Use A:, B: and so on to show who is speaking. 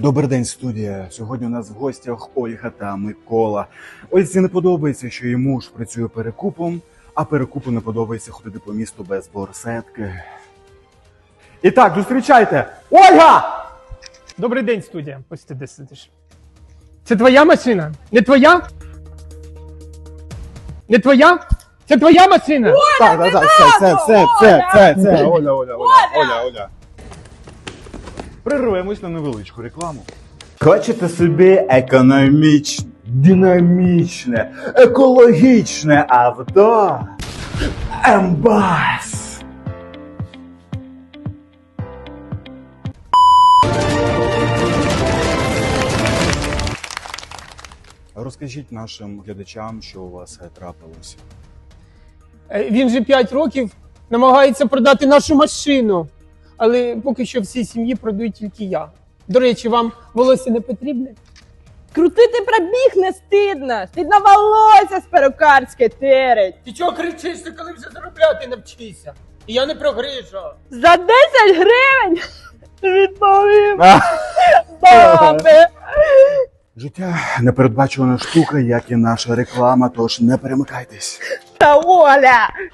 A: Добрий день, студія. Сьогодні у нас в гостях Ольга та Микола. Ользі не подобається, що її муж працює перекупом, а перекупу не подобається ходити по місту без борсетки. І так, зустрічайте! Ольга!
B: Добрий день, студія. Ось ти де сидиш. Це твоя машина? Не твоя? Не твоя? Це твоя машина?
A: Так, це, Оля. Прервемось на невеличку рекламу. Хочете собі економічне, динамічне, екологічне авто? Ембас! Розкажіть нашим глядачам, що у вас трапилося.
B: Він вже 5 років намагається продати нашу машину. Але поки що всій сім'ї продаю тільки я. До речі, вам волосся не потрібне?
C: Крутити пробіг не стидно. Стидно волосся з перукарське терить.
B: Ти чого кричиш, ти коли вже заробляти навчися? І я не прогрижу.
C: За 10 гривень відповім баби.
A: Життя непередбачувана штука, як і наша реклама, тож не перемикайтесь.
C: Та Оля,